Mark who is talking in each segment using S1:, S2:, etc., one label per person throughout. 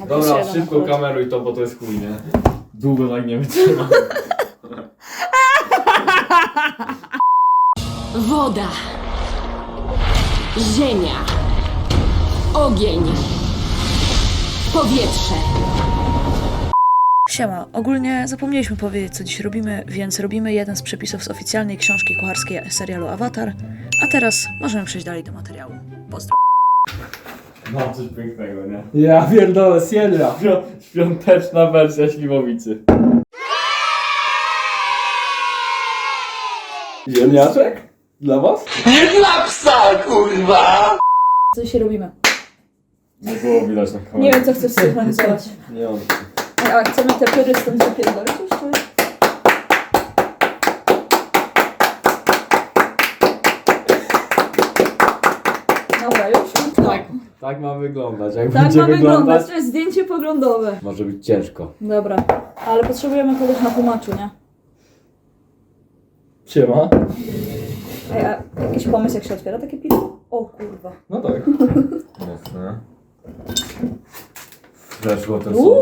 S1: Dobra, szybko kameruj to, bo to jest chuj, nie? Długo tak nie wytrzyma.
S2: Woda, ziemia, ogień, powietrze.
S3: Siema, ogólnie zapomnieliśmy powiedzieć, co dziś robimy, więc robimy jeden z przepisów z oficjalnej książki kucharskiej serialu Avatar, a teraz możemy przejść dalej do materiału. Pozdro.
S1: Mam coś pięknego, nie?
S4: Ja pierdolę, Sierra.
S1: Świąteczna wersja śliwowicy.
S4: Ziemniaczek? Dla was?
S3: Co dzisiaj robimy?
S1: Nie było widać na kamerze.
S3: Nie wiem, co chcesz synchronizować.
S1: Nie on.
S3: A chcemy te pyry stąd zapierdolić już, czy? Dobra, już?
S1: Tak ma wyglądać. Jak
S3: Tak
S1: będzie
S3: ma wyglądać, to jest zdjęcie poglądowe.
S1: może być ciężko.
S3: Dobra, ale potrzebujemy kogoś na tłumaczu, nie?
S4: Siema.
S3: Ej, a jakiś pomysł, jak się otwiera takie piwo? O kurwa.
S4: No tak.
S1: Mocne. Weszło to słowo.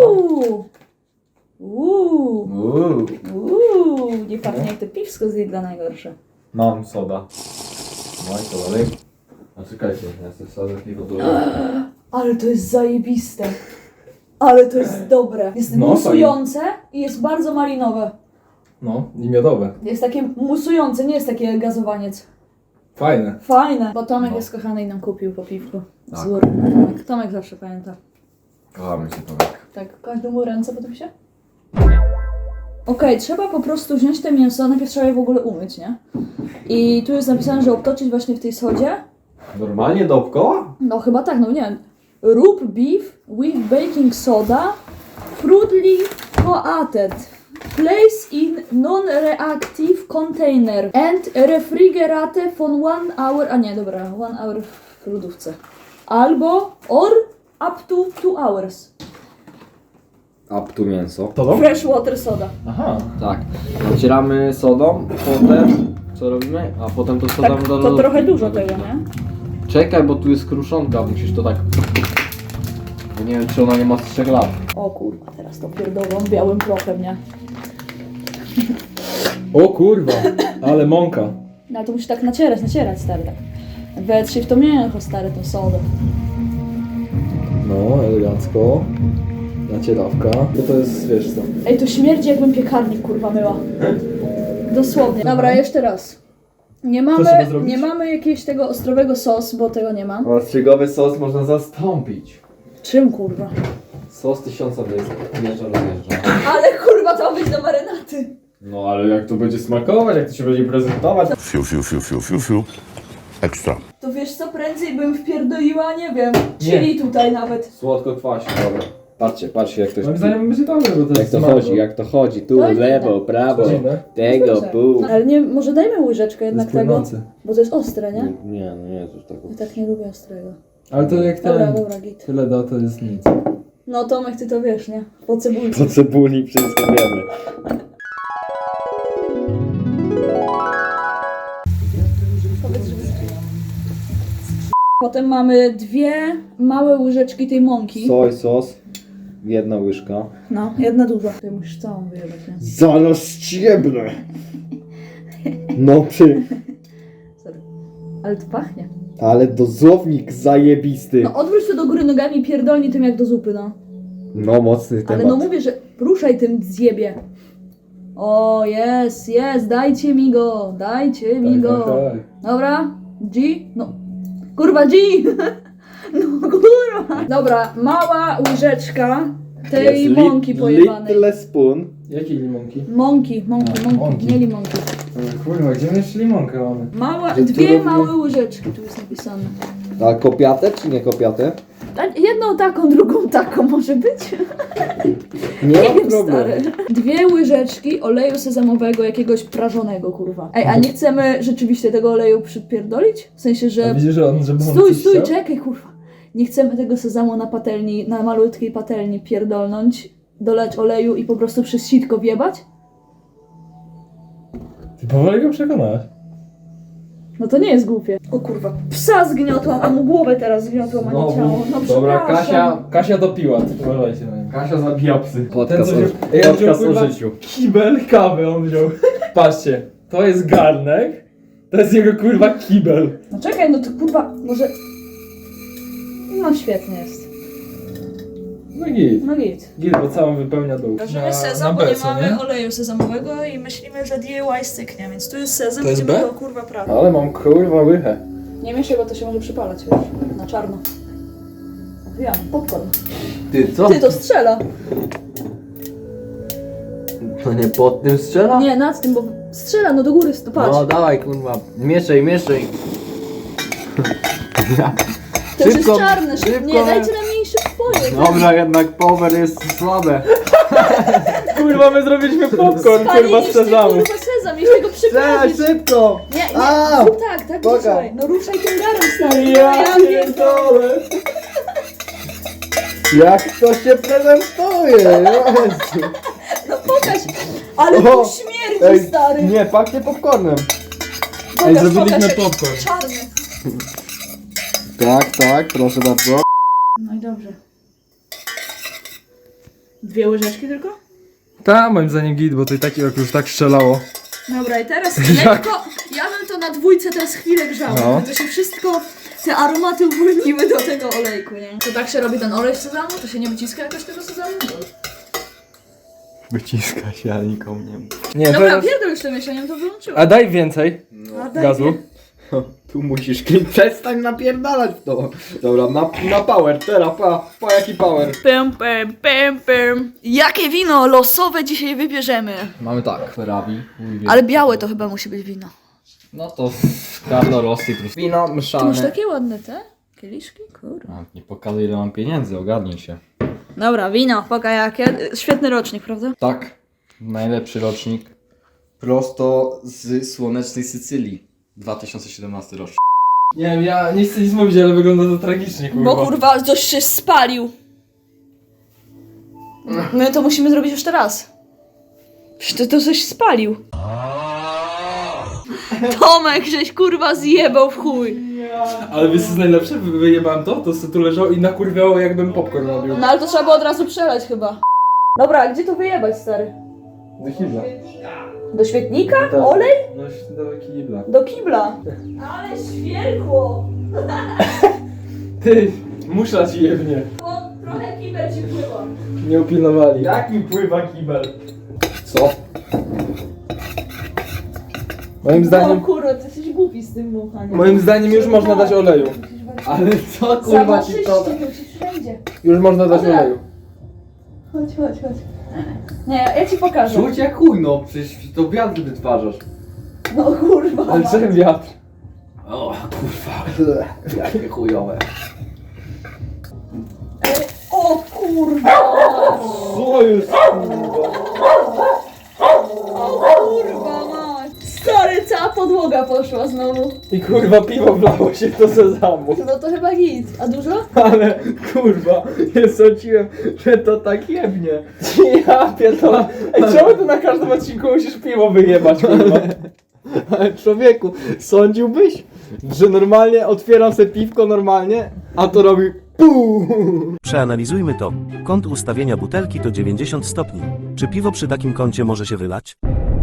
S3: Nie pachnie jak to piwsko z Lidla najgorsze.
S1: Mam soda. No i to dalej. A czekajcie, ja sobie sodę piwo tu.
S3: Ale to jest zajebiste. Ale to jest dobre. Jest
S4: No,
S3: musujące i jest bardzo malinowe.
S4: No, i miodowe.
S3: Jest takie musujące, nie jest takie gazowaniec.
S4: Fajne.
S3: Fajne. Bo Tomek
S1: No.
S3: jest kochany i nam kupił po piwku.
S1: Tak.
S3: Wzór. Tomek zawsze pamięta.
S1: Kochamy się Tomek.
S3: Tak, każdy mu ręce potem się? Okej, trzeba po prostu wziąć te mięso, najpierw trzeba je w ogóle umyć, nie? I tu jest napisane, że obtoczyć właśnie w tej sodzie.
S1: Normalnie dookoła?
S3: No chyba tak, no nie wiem. Rub beef with baking soda, crudely coated. Place in non-reactive container and refrigerate for 1 hour. A nie, dobra, 1 hour w lodówce. Albo or up to 2 hours.
S1: Up tu mięso.
S4: To to?
S3: Fresh water soda.
S4: Aha.
S1: Tak. Nacieramy sodą, potem co robimy? A potem to sodą
S3: Tak,
S1: do
S3: to
S1: lodówki.
S3: trochę dużo tego, nie?
S1: Czekaj, bo tu jest kruszonka, musisz to tak... Bo nie wiem, czy ona nie ma z 3 lat.
S3: O kurwa, teraz to pierdolą białym prochem, nie?
S4: O kurwa, ale mąka.
S3: No to musisz tak nacierać, stary, tak. Wetrzyj w to mięcho, stary, tą sodę.
S4: No, elegancko. Nacierawka. Bo to jest, wiesz co.
S3: Ej, to śmierdzi jakbym piekarnik, kurwa, myła. Dosłownie. Dobra, jeszcze raz.
S4: trzeba zrobić?
S3: Nie mamy jakiegoś tego ostrowego sos, bo tego nie ma.
S1: Ostrzygowy sos można zastąpić.
S3: Czym, kurwa?
S1: Sos 1000 wjeżdża.
S3: Ale kurwa, to ma być do marynaty.
S1: No ale jak to będzie smakować, jak to się będzie prezentować?
S5: Fiu, fiu, fiu, fiu, fiu, fiu. Ekstra.
S3: To wiesz co, prędzej bym wpierdoliła, nie wiem, chili tutaj nawet.
S1: Słodko kwaśnie, dobra. Patrzcie jak to
S4: Moim zdaniem będzie dobre, bo to
S1: Jak
S4: jest
S1: to
S4: smaku.
S1: chodzi, jak to chodzi. Tu,
S3: To jest
S1: lewo,
S3: dziwne.
S1: prawo,
S4: Dziwne.
S1: tego,
S3: Dobrze.
S1: pół.
S3: No, ale nie, może dajmy łyżeczkę
S4: To
S3: jednak
S4: jest
S3: tego,
S4: płynący.
S3: bo to jest ostre, nie?
S1: Nie, no nie, to tak.
S3: Ja tak nie lubię ostrego.
S4: Ale to jak ten
S3: Dobra, git.
S4: tyle da, to jest nic.
S3: No Tomek, ty to wiesz, nie? Po cebulce.
S1: Po cebuli wszystko wiemy.
S3: Potem mamy 2 małe łyżeczki tej mąki.
S1: Soj, sos, 1 łyżka.
S3: No, jedna duża. Ty musisz całą wyjebać, nie?
S1: Zaraz ściebnę. No
S3: Sorry. Ale to pachnie.
S1: ale dozownik zajebisty.
S3: No odwróć to do góry nogami i pierdolnij tym jak do zupy, no.
S1: No mocny
S3: Ale
S1: temat.
S3: no mówię, że ruszaj tym zjebie. O, jest, dajcie mi go, dajcie mi go.
S4: Tak.
S3: Dobra, G? No, kurwa G! No kurwa. Dobra, mała łyżeczka tej
S1: Jest
S3: mąki pojebanej.
S1: Little spoon.
S4: Jakiej limonki?
S3: Mąki,
S4: mąki.
S3: nie limonki.
S4: Kurwa, gdzie my jeszcze limonkę mamy?
S3: Mała,
S1: Że tu
S3: 2
S1: robimy-
S3: małe łyżeczki, tu jest napisane.
S1: A kopiate czy nie kopiate?
S3: A jedną taką, drugą taką może być?
S1: Nie
S3: Nie
S1: mam
S3: wiem,
S1: problemu.
S3: stary. 2 łyżeczki oleju sezamowego, jakiegoś prażonego, kurwa. Ej, a nie chcemy rzeczywiście tego oleju przypierdolić? W sensie,
S4: A
S3: że...
S4: widzisz, że on, żeby on
S3: Stój,
S4: coś chciał?
S3: czekaj, kurwa. Nie chcemy tego sezamu na patelni, na malutkiej patelni pierdolnąć, dolać oleju i po prostu przez sitko wjebać?
S4: Ty powoli go przekonałaś.
S3: No to nie jest głupie. O kurwa, psa zgniotłam, a mu głowę teraz zgniotłam, a nie ciało. No
S4: Dobra,
S3: przepraszam.
S4: Kasia dopiła, uważajcie na nią.
S1: Kasia zabija psy.
S4: Ten co wziął, ja wziął kurwa kibel kawy on wziął. Patrzcie, to jest garnek, to jest jego kurwa kibel.
S3: No czekaj, no to kurwa, może... No świetnie jest.
S4: No git,
S3: No git.
S4: git, bo całą wypełnia dół.
S3: Weźmiemy sezam, bo nie mamy oleju sezamowego i myślimy, że DIY styknie, więc tu jest sezam,
S4: To jest
S3: będziemy
S4: B?
S3: go kurwa prawie.
S4: Ale mam kurwa łychę.
S3: Nie mieszaj, bo to się może przypalać, wiesz, na czarno. Wiem, popcorn.
S1: Ty co?
S3: Ty, to strzela.
S1: To nie pod tym strzela?
S3: Nie, nad tym, bo strzela, no do góry, to patrz.
S1: No dawaj kurwa, mieszaj.
S3: To już jest
S1: szybko,
S3: czarne,
S1: szybko,
S3: nie, dajcie na mniejszy wpojek.
S1: Dobra, jednak power jest słabe.
S4: Kurwa, my zrobiliśmy popcorn kurwa z
S3: Spaliliście,
S4: sezamu.
S3: kurwa sezam, jeśli go przyprawić.
S1: szybko!
S3: Nie, nie,
S1: A!
S3: zrób tak,
S1: Boga.
S3: ruszaj. No ruszaj tym garem, stary.
S4: Ja
S3: pierdolę.
S4: pierdolę.
S1: Jak to się prezentuje? Jezu.
S3: No pokaż, ale
S1: O,
S3: tu śmierdzi, stary.
S1: Nie, pachnie popcornem.
S3: Pokaż,
S4: zrobiliśmy
S3: pokaż, jak
S4: popcorn.
S3: czarny.
S1: Tak, proszę bardzo.
S3: No i dobrze. 2 łyżeczki tylko?
S4: Ta, moim zdaniem git, bo to i tak już tak strzelało.
S3: Dobra, i teraz lekko, ja bym to na 2 teraz chwilę grzała,
S4: No.
S3: żeby to się wszystko, te aromaty uwolniły do tego olejku, nie? To tak się robi ten olej z sezamu? To się nie wyciska jakoś tego sezamu?
S1: Wyciska się, ale nikomu nie mów.
S4: Nie,
S3: Dobra,
S4: teraz...
S3: pierdol już to mieszaniem, to wyłączyłem.
S4: A daj więcej
S3: A daj
S4: gazu.
S3: mi.
S1: Tu musisz przestań napierdalać w to. Dobra, na power, teraz, pa jaki power.
S3: Pym. Jakie wino losowe dzisiaj wybierzemy?
S1: Mamy tak, Ferrari.
S3: Ale białe to chyba musi być wino.
S1: No to Carlo Rossi plus wino
S3: Ty masz
S1: mieszane.
S3: takie ładne te kieliszki? Kurwa.
S1: A, nie pokazuj ile mam pieniędzy, ogarnij się.
S3: Dobra, wino, poka jakie. Świetny rocznik, prawda?
S1: Tak, najlepszy rocznik. Prosto z słonecznej Sycylii. 2017 rok.
S4: Nie wiem, ja nie chcę nic mówić, ale wygląda to tragicznie, kurwa.
S3: Bo kurwa, coś się spalił. My to musimy zrobić już teraz. Przecież to coś spalił. Tomek, żeś kurwa zjebał w chuj.
S4: Ale wiesz co jest najlepsze? Wyjebałem to sobie tu leżało i nakurwiało jakbym popcorn robił.
S3: No ale to trzeba było od razu przelać chyba. Dobra, a gdzie to wyjebać, stary?
S4: Do kibla.
S3: Do świetnika?
S4: Tak.
S3: Olej?
S4: No, do kibla.
S3: Do kibla. Ale świerkło.
S4: Ty, musza ci jebnie.
S3: Trochę kibel ci pływa.
S4: Nie upilnowali.
S1: Jak mi pływa kibel? Co?
S4: Moim
S3: No
S4: zdaniem,
S3: kurwa, ty jesteś głupi z tym muchaniem.
S4: moim zdaniem już można dać oleju.
S1: Ale co kurwa ci to...
S3: Zamoczyście, wszędzie.
S4: Już można dać
S3: Dobra.
S4: oleju.
S3: Chodź. Nie, ja ci pokażę.
S1: Rzuć jak chuj, no przecież to wiatr wytwarzasz.
S3: No kurwa.
S4: Ale czym wiatr?
S1: O kurwa, jakie chujowe.
S3: O kurwa.
S4: Co jest?
S3: Kurwa mać. Stary, cała podłoga poszła znowu.
S4: I kurwa piwo wlało się do sezamu.
S3: No to chyba git. A dużo?
S4: Ale kurwa, nie sądziłem, że to tak jebnie. Ja pierdolę. Ej, czemu ty na każdym odcinku musisz piwo wyjebać, kurwa?
S1: Ale człowieku, sądziłbyś, że normalnie otwieram sobie piwko normalnie, a to robi PUU.
S6: Przeanalizujmy to. Kąt ustawienia butelki to 90 stopni. Czy piwo przy takim kącie może się wylać?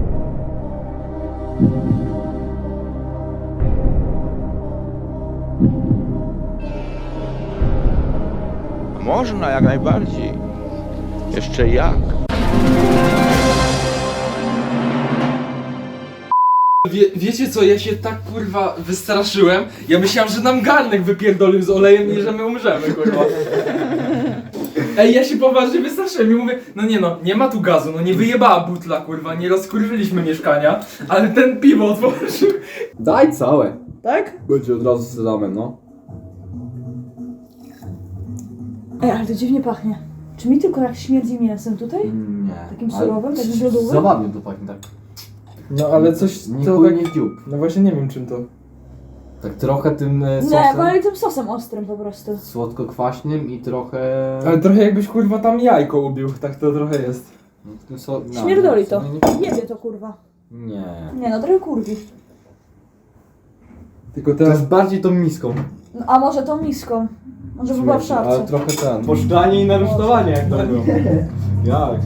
S7: Można, jak najbardziej. Jeszcze jak.
S4: Wiecie co, ja się tak kurwa wystraszyłem. Ja myślałem, że nam garnek wypierdolił z olejem i że my umrzemy, kurwa. Ej, ja się poważnie wystraszyłem i mówię, nie ma tu gazu, no nie wyjebała butla, kurwa, nie rozkurwyliśmy mieszkania, ale ten piwo otworzył.
S1: Daj całe.
S3: Tak?
S1: Będzie od razu z sezamem, no.
S3: Ej, ale to dziwnie pachnie. Czy mi tylko jak śmierdzi mięsem tutaj?
S1: Nie.
S3: Takim surowym, takim lodowym?
S1: Zabawnie to pachnie, tak.
S4: No ale coś
S1: Nie
S4: to
S1: chuj,
S4: tak...
S1: nie dziób.
S4: No właśnie nie wiem czym to.
S1: Tak trochę tym
S3: Nie,
S1: sosem
S3: wali tym sosem ostrym po prostu.
S1: słodko-kwaśnym i trochę...
S4: Ale trochę jakbyś kurwa tam jajko ubił, tak to trochę jest.
S1: Tym
S3: Śmierdoli to.
S1: Nie.
S3: Jebie to kurwa.
S1: Nie.
S3: Nie no, trochę kurwi.
S4: Tylko
S1: To
S4: teraz...
S1: jest bardziej tą miską.
S3: No, a może tą miską? Może by była w
S1: Ale
S3: szafce.
S1: trochę ten. Poszklanie i narusztowanie jak to było. Jak?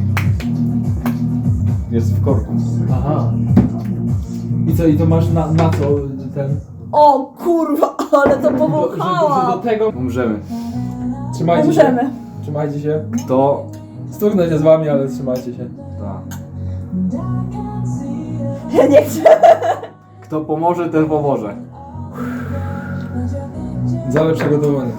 S1: Jest w korku.
S4: Aha. I co, i to masz na co ten...
S3: O kurwa, ale to
S4: Że do
S3: powąchała!
S4: tego...
S1: Umrzemy.
S4: Trzymajcie
S3: Umrzemy.
S4: się. Trzymajcie się.
S1: To...
S4: Stuknę się z wami, ale trzymajcie się.
S1: Tak.
S3: Ja nie chcę.
S1: Kto pomoże, ten pomoże.
S4: Za lepsze gotowanie.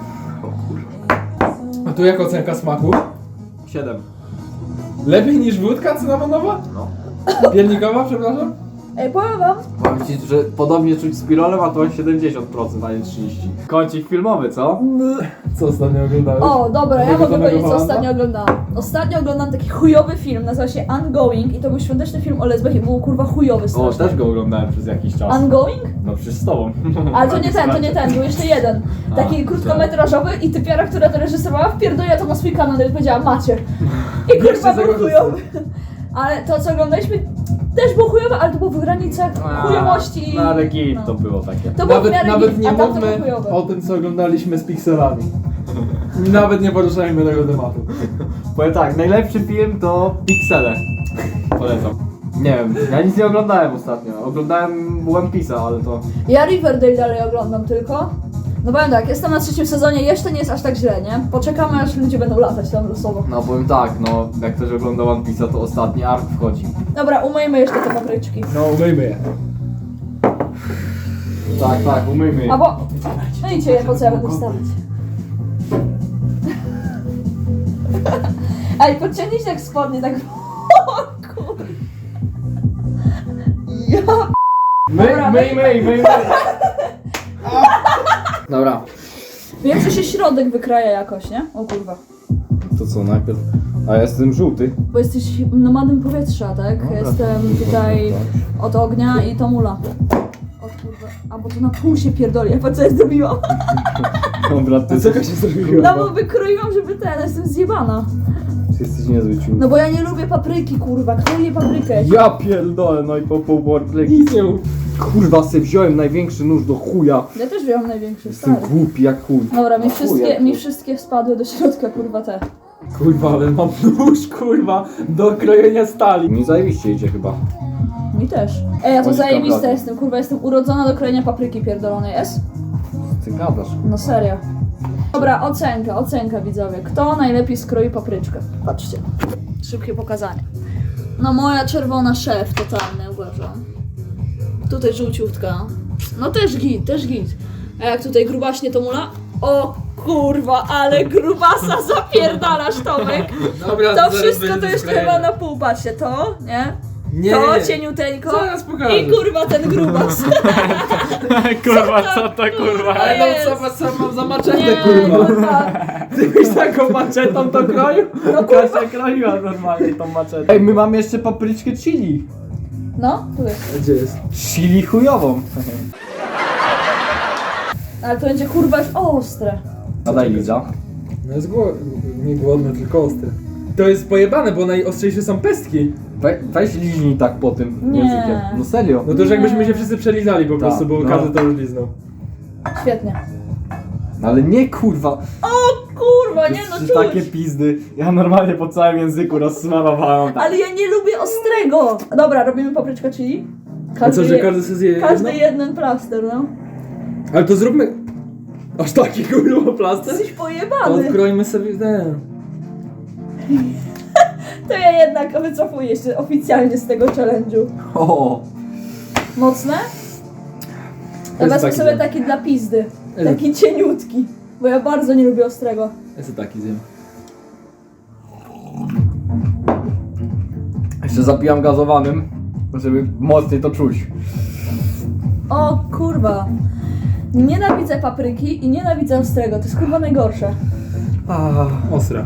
S4: A tu jak ocenka smaku?
S1: 7.
S4: Lepiej niż wódka cynamonowa?
S1: No.
S4: Piernikowa, przepraszam?
S3: Ej, powiem wam,
S1: Powiem ci, że podobnie czuć z pirolem, a to 70%, a nie 30%. Kącik filmowy, co?
S4: Co ostatnio oglądałeś?
S3: o dobra, ja mogę
S4: Ugotowanego
S3: powiedzieć co
S4: Holanda?
S3: ostatnio oglądałam. Ostatnio oglądam taki chujowy film, nazywa się Ongoing i to był świąteczny film o lesbach i był kurwa chujowy
S1: O,
S3: strasznie.
S1: też go oglądałem przez jakiś czas.
S3: Ongoing?
S1: No przecież z tobą.
S3: Ale to nie ten, był jeszcze jeden. Taki krótkometrażowy i typiara, która to reżyserowała, wpierdoliła to na swój kanał i powiedziała macie. I kurwa był chujowy. Ale to co oglądaliśmy też było chujowe, ale to było w granicach chujowości.
S1: No ale git to było takie.
S3: To było w miarę
S4: Nawet
S3: git,
S4: nie
S3: a tamto było
S4: mówmy
S3: chujowe.
S4: o tym, co oglądaliśmy z pikselami. Nawet nie poruszajmy tego tematu.
S1: Powiem tak, najlepszy film to Pixele. Polecam. Nie wiem, ja nic nie oglądałem ostatnio. Oglądałem One Piece'a, ale to...
S3: Ja Riverdale dalej oglądam tylko. No powiem tak, jestem na 3. sezonie, jeszcze nie jest aż tak źle, nie? Poczekamy aż ludzie będą latać tam losowo.
S1: No powiem tak, no jak ktoś ogląda One Piece'a, to ostatni ark wchodzi.
S3: Dobra, umyjmy jeszcze te papryczki.
S4: No, umyjmy je.
S1: Tak, umyjmy je.
S3: Albo... Myjcie je, po co ja będę wstawać? Ej, podciągnijcie tak spodnie, tak... O kur... Ja... Dobra,
S1: Myj. Dobra.
S3: Wiem, że się środek wykraja jakoś, nie? O kurwa.
S1: To co, najpierw... A ja jestem żółty.
S3: Bo jesteś nomadem powietrza, tak?
S1: Dobra.
S3: Jestem tutaj od ognia i to mula. O kurwa. A bo to na pół się pierdoli, ja po co ja zrobiłam?
S1: Dobra, ty
S4: Co się zrobiło?
S3: No bo wykroiłam, żeby ten, jestem zjebana.
S1: jesteś niezły ciul.
S3: No bo ja nie lubię papryki, kurwa. Kto je paprykę?
S1: Ja pierdolę, no i po pół warpleki.
S4: Nic nie mów.
S1: Kurwa, se wziąłem największy nóż do chuja.
S3: Ja też wziąłem największy,
S1: Jestem
S3: stary.
S1: głupi jak chuj.
S3: Dobra,
S1: Chuja,
S3: mi wszystkie spadły do środka, kurwa, te.
S4: Kurwa, ale mam nóż, kurwa, do krojenia stali.
S1: Nie zajebiście idzie chyba.
S3: Mi też. Ej, ja to
S1: Chodź,
S3: zajebiste
S1: dobra.
S3: jestem, kurwa, jestem urodzona do krojenia papryki pierdolonej, jest?
S1: Ty gadasz.
S3: No serio. Dobra, ocenka widzowie. Kto najlepiej skroi papryczkę? Patrzcie. Szybkie pokazanie. No moja czerwona szef, totalny uważam. Tutaj żółciutka. No też git. A jak tutaj grubaśnie to mula? O kurwa, ale grubasa zapierdalasz, Tomek.
S4: Dobra,
S3: To wszystko to jeszcze chyba na pół, patrzcie, to, nie?
S4: Nie,
S3: To
S4: nie.
S3: cieniuteńko
S4: Zaraz pokażę.
S3: i kurwa ten grubas.
S1: Kurwa, co to kurwa?
S4: Ale
S3: jest?
S4: no co mam za maczetę,
S3: Nie,
S4: kurwa?
S3: kurwa.
S1: Ty byś taką maczetą to kroił?
S3: No
S1: Kasia kroiła normalnie tą maczetą. Ej, my mamy jeszcze papryczkę chili.
S3: No, tu jest.
S4: Gdzie jest?
S1: Chili chujową.
S3: Ale to będzie kurwa już ostre.
S1: A daj Liza.
S4: No jest nie głodny, tylko ostry. To jest pojebane, bo najostrzejsze są pestki.
S1: Weź liźnij tak po tym
S3: Nie.
S1: językiem. No serio.
S4: No to już jakbyśmy się wszyscy przelizali po prostu, bo
S1: no.
S4: każdy to już liznął.
S3: Świetnie.
S1: Ale nie kurwa.
S3: O kurwa, nie no
S1: Trzy
S3: czuć.
S1: takie pizdy. Ja normalnie po całym języku rozsmarowałem tak.
S3: Ale ja nie lubię ostrego. Dobra, robimy papryczkę chili.
S4: A co, że każdy sobie zje jedno?
S3: Każdy jeden plaster, no.
S4: Ale to zróbmy... Aż taki kurwa plaster?
S3: Jesteś
S4: To
S3: pojebany.
S4: odkroimy sobie ten...
S3: To ja jednak wycofuję się oficjalnie z tego challenge'u.
S1: O.
S3: Mocne? Ja
S4: jest
S3: wezmę
S4: taki
S3: sobie
S4: zjem.
S3: taki dla pizdy.
S4: Jest.
S3: Taki cieniutki. Bo ja bardzo nie lubię ostrego.
S4: Ja sobie taki zjem.
S1: Jeszcze zapijam gazowanym, żeby mocniej to czuć.
S3: O kurwa. Nienawidzę papryki i nienawidzę ostrego. To jest kurwa najgorsze.
S4: Ostra.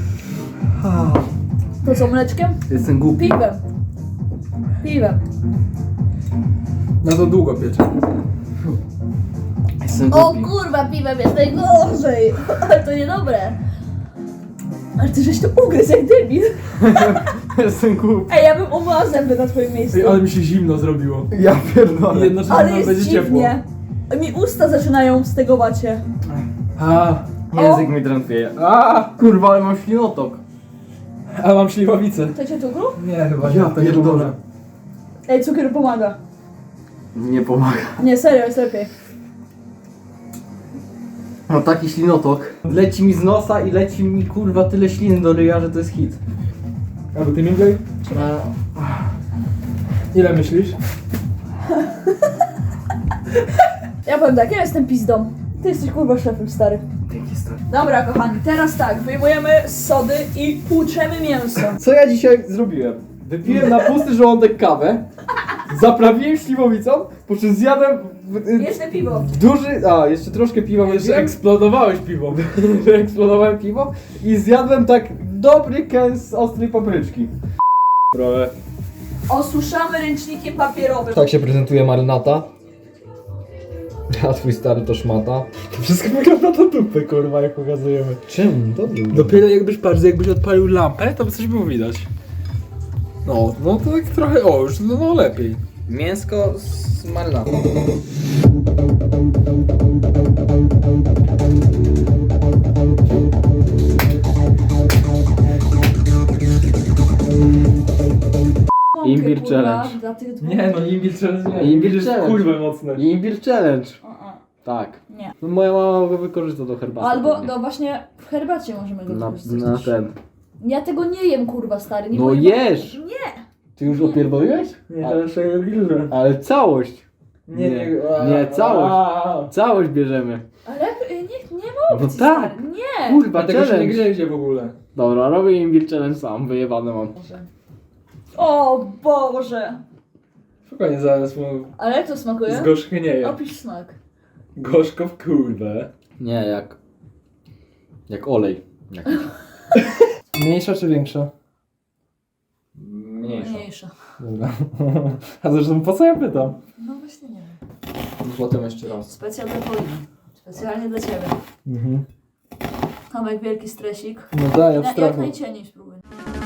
S3: To co, mleczkiem?
S1: Jestem głupi.
S3: Piwem.
S4: No to długo piecze.
S1: Jestem
S3: O
S1: głupi.
S3: kurwa, piwem jest najgorzej. Ale to niedobre. Ale ty żeś to ugryzł jak debil.
S1: Jestem głupi.
S3: Ej, ja bym umyła zęby na twoim miejscu.
S4: Ej, ale mi się zimno zrobiło.
S1: Ja pierdolę.
S4: I jednocześnie
S3: Ale
S4: nam
S3: jest
S4: będzie ciepło.
S3: dziwnie. Mi usta zaczynają wstegować się.
S1: Język mi drętwieje. Kurwa, ale mam ślinotok.
S4: A mam śliwowicę.
S3: Chcecie cukru?
S4: Nie, chyba nie.
S1: Ja
S4: To nie
S1: pierdolę.
S4: pomoże.
S3: Ej, cukier pomaga.
S1: Nie pomaga.
S3: Nie, serio, jest lepiej.
S1: Mam taki ślinotok. Leci mi z nosa i leci mi kurwa tyle śliny do ryja, że to jest hit.
S4: Albo ty Mingley? Ile myślisz?
S3: Ja powiem tak, ja jestem pizdą. Ty jesteś kurwa szefem, stary.
S1: Dzięki stary.
S3: Dobra, kochani, teraz tak, wyjmujemy z sody i tłuczemy mięso.
S1: Co ja dzisiaj zrobiłem? Wypiłem na pusty żołądek kawę, zaprawiłem śliwowicą, po czym zjadłem
S3: Jeszcze piwo.
S1: duży, jeszcze troszkę piwa
S4: Jeszcze
S1: wypiłem,
S4: eksplodowałeś piwo.
S1: wyeksplodowałem piwo i zjadłem tak dobry kęs ostrej papryczki. Trochę.
S3: Osuszamy ręcznikiem papierowym.
S1: Tak się prezentuje marynata. A twój stary to szmata.
S4: To wszystko wygląda do dupy, kurwa, jak pokazujemy.
S1: Czym? Dobrze.
S4: Dopiero jakbyś odpalił lampę, to by coś było widać. No to tak trochę, już no lepiej.
S1: Mięsko z marynatą. Imbir
S3: Kurwa,
S1: challenge.
S3: dla tych dwóch.
S4: Nie no, imbir challenge nie.
S1: Imbir
S4: jest
S1: challenge.
S4: kurwa mocne.
S1: Imbir challenge. Tak.
S3: Nie.
S1: No moja mama go wykorzysta do herbaty.
S3: Albo,
S1: pewnie.
S3: no właśnie, w herbacie możemy go
S1: na
S3: wykorzystać.
S1: ten.
S3: Ja tego nie jem, kurwa, stary. Nie
S1: No
S3: powiem-
S1: jesz!
S3: Nie!
S1: Ty już opierdoliłeś?
S4: Nie, to jeszcze grillę.
S1: Ale całość.
S4: Nie,
S1: Nie, całość. Całość bierzemy.
S3: Ale nie mówcie,
S1: No tak.
S3: stary. Nie!
S1: Kurwa,
S4: Dlatego się nie
S1: challenge.
S4: grzejcie w ogóle.
S1: Dobra, robię imbir challenge sam, wyjebane mam.
S3: O Boże!
S4: Spokojnie, zaraz mu
S3: Ale jak to smakuje?
S4: zgorzchnieje.
S3: Opisz smak.
S4: Gorzko w kurwę.
S1: Nie, jak olej.
S4: Mniejsza czy większa?
S3: Mniejsza.
S4: Dobra. A zresztą po co ja pytam?
S3: No właśnie nie wiem.
S1: Potem jeszcze raz.
S3: Specjal dla Pauliny. Specjalnie dla ciebie. Tomek, wielki stresik.
S4: No tak, ja w
S3: Jak
S4: strachu.
S3: najcieniej spróbuj.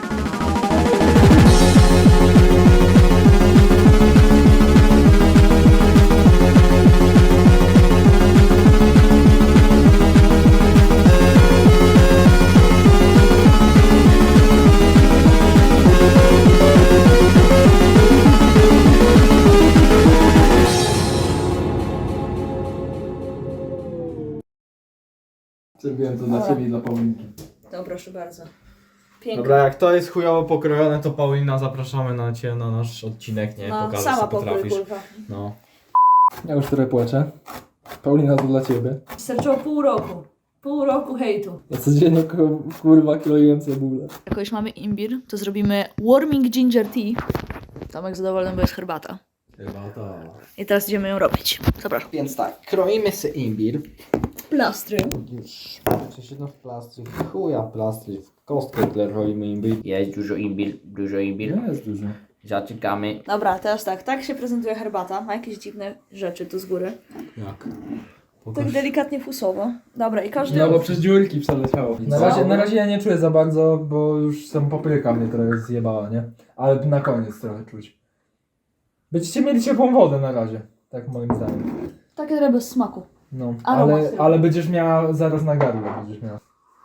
S4: Zrobiłem to dla
S3: Dobra.
S4: ciebie i dla Paulinki.
S3: No proszę bardzo. Pięknie.
S1: Dobra, jak to jest chujowo pokrojone, to Paulina zapraszamy na ciebie na nasz odcinek, nie?
S3: No,
S1: Pokażesz,
S3: sama
S1: co
S3: pokój,
S1: potrafisz.
S3: kurwa.
S1: No.
S4: Ja już trochę płaczę. Paulina, to dla ciebie.
S3: Starczyło pół roku. Pół roku hejtu.
S4: Ja codziennie kurwa kroiłem cebulę.
S3: Jak już mamy imbir, to zrobimy warming ginger tea. Tomek zadowolony, bo jest herbata.
S1: Chyba to.
S3: I teraz idziemy ją robić. Zapraszam.
S1: Więc tak, kroimy sobie imbir.
S3: Plastry.
S1: Już. Przecież no w plastry, chuja plastry, w kostkę kroimy imbir. Jest dużo imbir.
S4: Nie jest dużo.
S1: Zaczekamy.
S3: Dobra, teraz tak się prezentuje herbata. Ma jakieś dziwne rzeczy tu z góry.
S1: Jak?
S3: Tak delikatnie fusowo. Dobra, i każdy...
S4: No bo przez dziurki przeleciało. Na razie ja nie czuję za bardzo, bo już sam papryka mnie trochę zjebała, nie? Ale na koniec trochę czuć. Będziecie mieli ciepłą wodę na razie. Tak moim zdaniem.
S3: Takie trochę bez smaku.
S4: No,
S3: Aromat tylko.
S4: ale będziesz miała zaraz na gardle będziesz miała.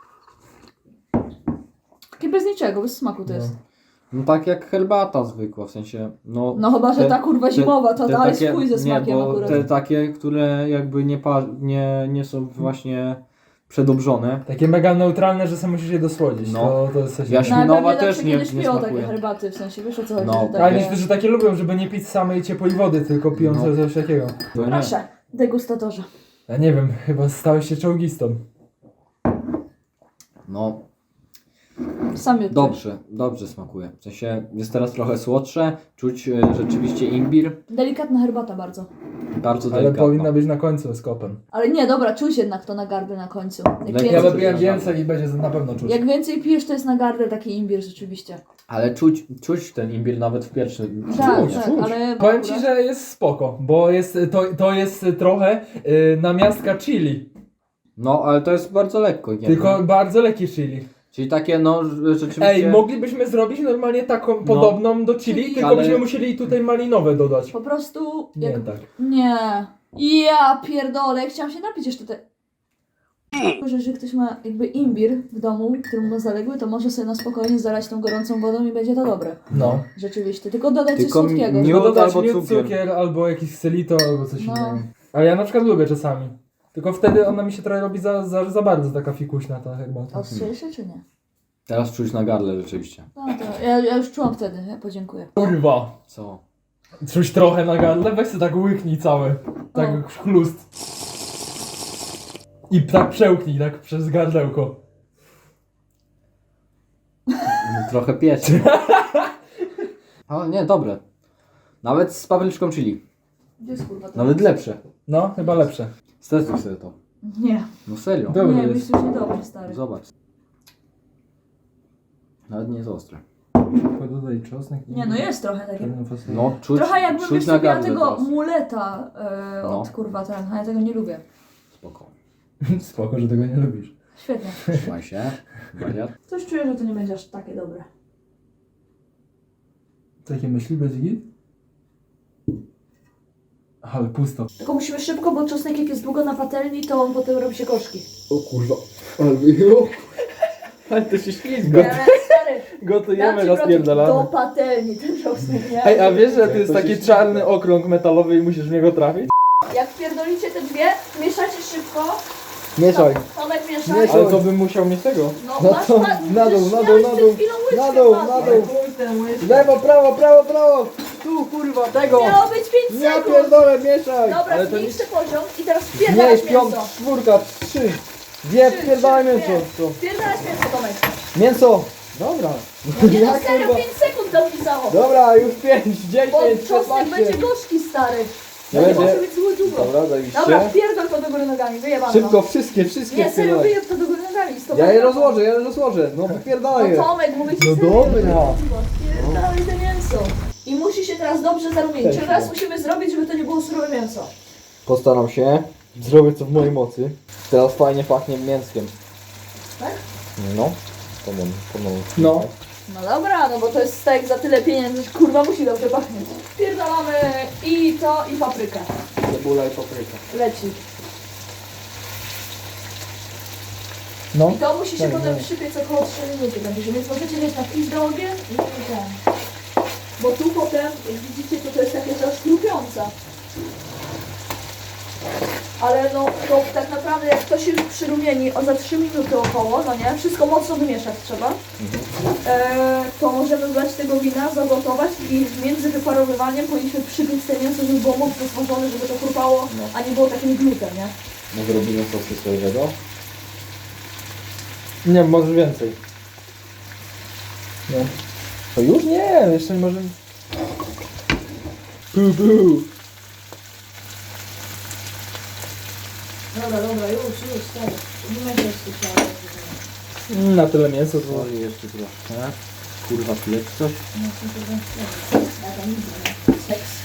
S3: Takie bez niczego, bez smaku to jest.
S1: No tak jak herbata zwykła, w sensie, no...
S3: No chyba, że
S1: te-
S3: ta kurwa zimowa, to
S1: te
S3: dalej
S1: takie-
S3: swój ze smakiem
S1: nie, bo
S3: akurat.
S1: te takie, które jakby nie są właśnie przedobrzone.
S4: Takie mega neutralne, że sam musisz je dosłodzić.
S1: No.
S4: To jest coś
S1: Ja
S4: innego.
S3: No, ale
S1: Śminowa
S3: pewnie
S1: też
S3: zawsze
S1: nie-
S3: kiedyś
S1: nie
S3: piją
S1: smakuje.
S3: takie herbaty, w sensie, wiesz o co chodzi?
S1: No,
S3: że takie...
S4: Ale niektórzy takie lubią, żeby nie pić samej ciepłej wody, tylko piją
S1: No.
S4: coś takiego.
S1: To nie.
S3: Proszę, degustatorze.
S4: Ja nie wiem, chyba stałeś się czołgistą.
S1: No,
S3: Sam je
S1: dobrze smakuje. W sensie jest teraz trochę słodsze, czuć rzeczywiście imbir.
S3: Delikatna herbata bardzo.
S1: Bardzo
S4: Ale
S1: delikatna.
S4: powinna być na końcu z kopem.
S3: Ale nie, dobra, czuć jednak to na gardle na końcu. Jak,
S1: Lekko
S4: Ja
S3: więcej,
S1: lubię-
S4: wypiję więcej i będzie na pewno czuć.
S3: jak więcej pijesz, to jest na gardle taki imbir rzeczywiście.
S1: Ale czuć ten imbir nawet w pierwszym.
S3: Tak,
S4: Czuć,
S3: tak,
S4: czuć.
S3: ale...
S4: Powiem ci, że jest spoko, bo jest, to jest trochę namiastka chili.
S1: No, ale to jest bardzo lekko. Nie?
S4: Tylko bardzo lekkie chili.
S1: Czyli takie no rzeczywiście...
S4: Ej, moglibyśmy zrobić normalnie taką podobną do chili, tylko
S1: Ale-
S4: byśmy musieli tutaj malinowe dodać.
S3: Po prostu...
S4: Nie
S3: Jak...
S4: tak.
S3: Nie. Ja pierdolę, chciałam się napić jeszcze te... Że ktoś ma jakby imbir w domu, który ma zaległy, to może sobie na spokojnie zalać tą gorącą wodą i będzie to dobre.
S4: No.
S3: Rzeczywiście, tylko dodać coś
S1: Tylko
S3: słodkiego.
S1: miód
S4: No dodać
S1: albo
S4: miód,
S1: cukier.
S4: cukier, albo jakiś selito, albo coś
S3: No.
S4: innego. Ale ja na przykład lubię czasami. Tylko wtedy ona mi się trochę robi za bardzo taka fikuśna ta herbata.
S3: Ostrzejsze czy nie?
S1: Teraz czuć na gardle rzeczywiście.
S3: No to ja już czułam wtedy, ja podziękuję.
S4: Kurwa!
S1: Co?
S4: Czuć trochę na gardle, weź sobie tak łyknij cały. Tak
S3: O.
S4: chlust. I tak przełknij, tak przez gardełko.
S1: Trochę pieczy. Ale nie, dobre. Nawet z papryczką chili.
S3: Gdzie jest kurwa to?
S1: Nawet lepsze.
S4: No, chyba lepsze.
S1: Stestuj sobie to.
S3: Nie,
S1: No serio.
S4: Dobry
S3: nie,
S4: jest.
S3: myślisz, że niedobrze, stary.
S1: Zobacz. Nawet nie jest ostre.
S4: Dodaj czosnek.
S3: Nie, no jest trochę takie.
S1: No, czuć,
S3: Trochę jakbym
S1: czuć na
S3: wysypiała
S1: gardle
S3: tego
S1: teraz.
S3: muleta od
S1: No.
S3: kurwa ten, a ja tego nie lubię.
S1: Spoko.
S4: Spoko, że tego nie lubisz.
S3: Świetnie.
S1: Trzymaj się. Wariat.
S3: Coś czuję, że to nie będzie aż takie dobre.
S4: Takie myśli bez git? Ale pusto.
S3: Tylko musimy szybko, bo czosnek jak jest długo na patelni, to on potem robi się gorzki.
S1: O kurwa. Ale to się ślizga.
S3: Ale stary,
S4: Gotujemy
S3: do
S4: rozpierdalamy.
S3: patelni ten czosnek, nie?
S4: Ej, a wiesz, że to
S1: Jak
S4: jest
S1: to
S4: taki
S1: się
S4: czarny okrąg metalowy i musisz w niego trafić?
S3: Jak pierdolicie te dwie, mieszacie szybko.
S1: Mieszaj.
S3: Tomek mieszaj.
S4: Ale to bym musiał mieć tego.
S3: No masz
S1: to na dół, na dół, na dół. Na dół, na dół. Lewo, prawo, prawo, prawo. Tu kurwa, tego.
S3: Miało być 5
S1: Ja
S3: sekund.
S1: pierdolę, mieszaj.
S3: Dobra,
S4: Ale to
S3: zmniejszy poziom i teraz
S1: Nie,
S3: wpierdalasz
S1: piąt,
S3: mięso.
S1: czwórka, trzy. Dwie,
S3: Trzy,
S1: pierdolę
S3: trzy,
S1: mięso.
S3: dwie. Wpierdalasz mięso, Tomek.
S1: Mięso. Dobra.
S3: No nie, no
S1: Jak,
S3: serio,
S1: kurwa?
S3: 5 sekund tam pisało.
S1: Dobra, już 5, 10,
S3: Bo czosnek
S1: 15.
S3: będzie gorzki, stary.
S1: Nie
S3: To nie
S1: będzie.
S3: może być zły długo.
S1: Dobra, zajebiście.
S3: Dobra, wpierdol to do góry nogami, wyjebano.
S1: Szybko, wszystkie
S3: Nie, serio,
S1: wpierdolę.
S3: wyjeb to do góry nogami. Stop.
S1: Ja je rozłożę. No wypierdolę je.
S3: No Tomek, mówię ci
S1: No
S3: serio.
S1: dobra.
S3: Wpierdolaj te mięso. I musi się teraz dobrze zarumienić.
S1: Też
S3: Teraz
S1: no.
S3: musimy zrobić, żeby to nie było surowe mięso.
S1: Postaram się. Zrobię co w mojej mocy. Teraz fajnie pachnie mięskiem.
S3: Tak?
S1: No. Pomogę.
S4: No.
S3: No dobra, no bo to jest steak za tyle pieniędzy, że kurwa musi dobrze pachnieć. Pierdolamy i to, i paprykę.
S1: Cebula i papryka.
S3: Leci.
S4: No.
S3: I to musi się
S4: Tak,
S3: potem
S4: tak.
S3: przypiec około 3 minuty będzie, więc możecie mieć na pizdę ogień i ten. Bo tu potem, jak widzicie, to jest takie coś chrupiące. Ale no, to tak naprawdę jak to się już przyrumieni za 3 minuty około, no nie, wszystko mocno wymieszać trzeba, to możemy wlać tego wina, zagotować i między wyparowywaniem powinniśmy przypiec te mięso, żeby było mocno smażone, żeby to chrupało, a nie było takim glutem, nie?
S1: Może robimy sosy sojowego?
S4: Nie, może więcej. No. To już? Nie, jeszcze nie możemy.
S3: Dobra, już, stary. Nie będzie jeszcze
S4: Na tyle mięso to...
S1: Soli jeszcze troszkę. Kurwa, tu jest coś?
S3: Seks.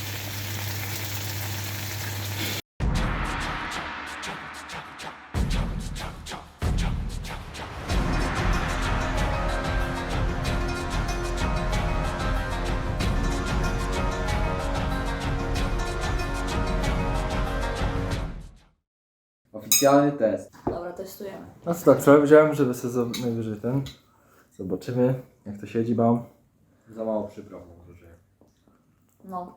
S1: Oficjalny test.
S3: Dobra, testujemy.
S4: No co tak, wczoraj wziąłem, żeby sobie najwyżej ten... Zobaczymy, jak to siedzi, bam.
S1: Za mało przypraw może, że...
S3: No.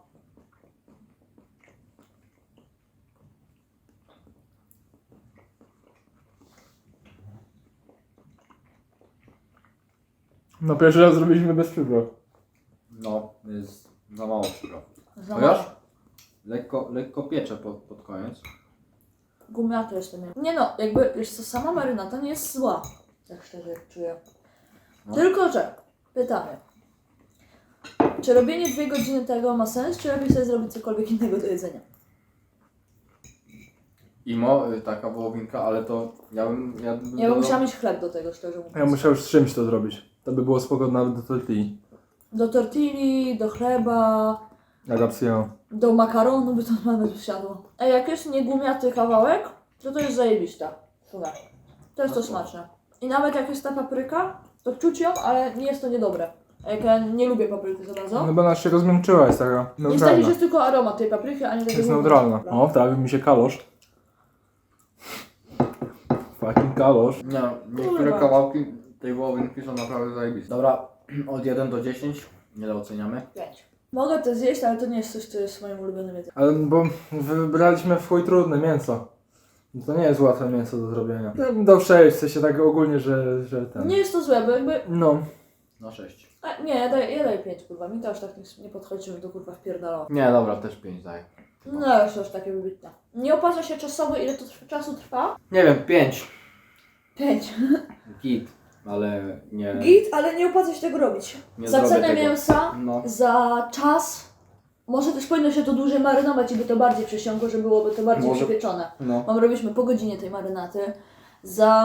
S4: No pierwszy raz zrobiliśmy bez przypraw.
S1: No, jest za mało przypraw.
S3: Za
S1: Chociaż
S3: mało.
S1: lekko piecze pod koniec.
S3: Gumiaty jestem. Nie no, jakby, wiesz co, sama marynata nie jest zła. Tak szczerze czuję.
S1: No.
S3: Tylko, że pytanie. Czy robienie 2 godziny tego ma sens, czy lepiej sobie zrobić cokolwiek innego do jedzenia?
S1: Taka wołowinka, ale to ja bym
S3: Ja bym
S1: dodał-
S3: musiała mieć chleb do tego, szczerze mówiąc.
S4: Ja musiał już z czymś to zrobić. To by było spoko nawet do tortilli.
S3: Do tortilli, do chleba,
S4: Agapsję.
S3: do makaronu by to nawet wsiadło. A jak jest niegumiaty kawałek, to jest zajebista. Słuchaj. To jest to smaczne. I nawet jak jest ta papryka, to czuć ją, ale nie jest to niedobre. A jak ja nie lubię papryki za bardzo.
S4: No bo ona się rozmęczyła, jest taka
S3: Niestety
S4: neutralna.
S3: jest tylko aromat tej papryki, a nie tego
S4: Jest neutralna. O, wtrawił mi się kalosz. Fucking kalosz.
S1: Nie, niektóre kawałki tej wołowinki są naprawdę zajebiste. Dobra, od 1 do 10, ile oceniamy?
S3: 5. Mogę to zjeść, ale to nie jest coś, co jest moim ulubionym jedzeniem.
S4: Ale bo wybraliśmy w chuj trudne mięso. To nie jest łatwe mięso do zrobienia. Ja bym dał 6, w sensie tak ogólnie, że ten...
S3: Nie jest to złe, bo jakby...
S4: No.
S1: Na 6.
S3: A, nie, ja daję 5, kurwa. Mi to aż tak nie podchodzi, żeby to kurwa wpierdalało.
S1: Nie, dobra, też 5 daję.
S3: No, jest to aż takie wybitne. Nie opłaca się czasowo, ile to czasu trwa?
S1: Nie wiem, 5.
S3: 5.
S1: Git, ale nie...
S3: Git, ale nie opłaca się tego robić.
S1: Nie
S3: Za
S1: zrobię
S3: cenę
S1: tego.
S3: mięsa,
S1: No.
S3: za czas. Może też powinno się to dłużej marynować i by to bardziej przysiągło, że byłoby to bardziej
S1: Może-
S3: przypieczone.
S1: No.
S3: Robiliśmy po godzinie tej marynaty. Za...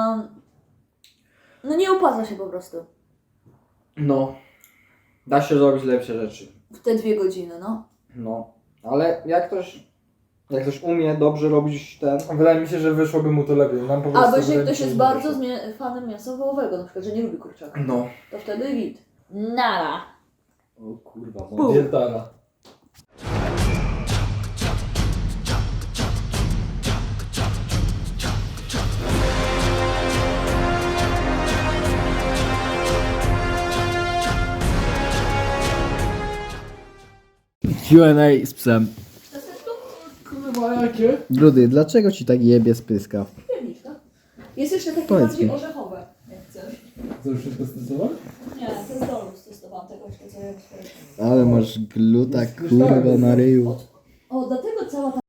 S3: No nie opłaca się po prostu.
S1: No. Da się zrobić lepsze rzeczy.
S3: W te 2 godziny, no.
S1: No. Ale jak ktoś umie dobrze robić ten...
S4: Wydaje mi się, że wyszłoby mu to lepiej. Nam po prostu
S3: Albo jeżeli
S4: wydaje mi
S3: ktoś
S4: się,
S3: jest
S4: że
S3: bardzo
S4: wyszło.
S3: fanem mięsa wołowego, na przykład, że nie lubi kurczaka,
S1: No.
S3: to wtedy git. Nara.
S1: O kurwa,
S4: Dietara.
S1: Q&A z psem.
S4: Kurwa, jakie?
S8: Grudy, dlaczego ci tak jebie z pyska?
S3: Pierniczka. Jest jeszcze takie
S8: Powiedz
S3: bardziej
S8: mi.
S3: orzechowe, jak chcesz.
S4: Co, już wszystko stosowałeś?
S3: Nie, to jest dolus, testowałam tego jeszcze co ja
S8: Ale masz gluta kurwa na ryju.
S3: O, dlatego cała ta